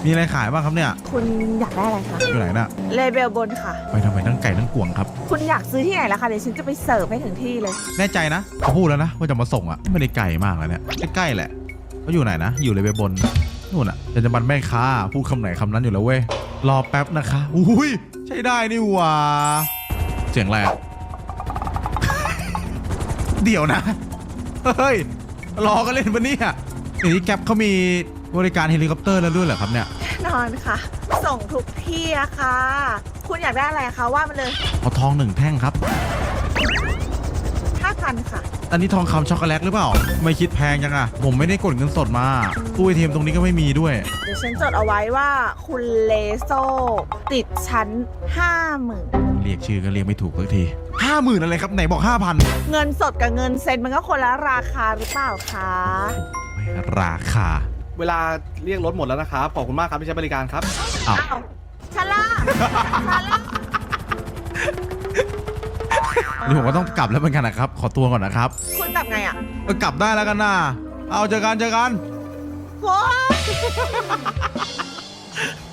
มีอะไรขายบ้างครับเนี่ยคุณอยากได้อะไรคะอยู่ไหนน่ะเลเบลบนค่ะไปทำไมทั้งไก่ทั้งกวงครับคุณอยากซื้อที่ไหนล่ะคะเดี๋ยวฉันจะไปเสิร์ฟให้ถึงที่เลยแน่ใจนะเขาพูดแล้วนะว่าจะมาส่งอ่ะไม่ได้ไกลมากแล้วเนี่ยใกล้ๆแหละเขาอยู่ไหนนะอยู่เลยไปบนนู่นอ่ะจะบันแม่ค้าพูดคำไหนคำนั้นอยู่แล้วเว้ยรอแป๊บนะคะอุ้ยใช่ได้นี่หว่าเสียงอะไรอะ เดี๋ยวนะเฮ้ยรอกันเล่นปะเนี่ยเดี๋ยวนี้แก๊ปเขามีบริการเฮลิคอปเตอร์แล้วด้วยเหรอครับเนี่ยนอนค่ะ ส่งทุกที่อะค่ะ คุณอยากได้อะไรคะว่ามาเลยเอาทอง1 แท่งครับ 5,000 ค่ะอันนี้ทองคำช็อกโกแลตหรือเปล่าไม่คิดแพงจังอะผมไม่ได้กดเงินสดมาตู้ ATM ตรงนี้ก็ไม่มีด้วยเดี๋ยวฉันจดเอาไว้ว่าคุณเลโซติดชั้น 50,000 เรียกชื่อก็เรียกไม่ถูกสักที50,000อะไรครับไหนบอก 5,000 เงินสดกับเงินเซ็นมันก็คนละราคาหรือเปล่าคะโอ้ยราคาเวลาเรียกรถหมดแล้วนะครับขอบคุณมากครับที่ใช้บริการครับอ้าวอ้าวชะล่าชะล่านี่ผมก็ต้องกลับแล้วเหมือนกันนะครับขอตัวก่อนนะครับคุณกลับไงอ่ะก็กลับได้แล้วกันนะเอาเจอกันโว้ย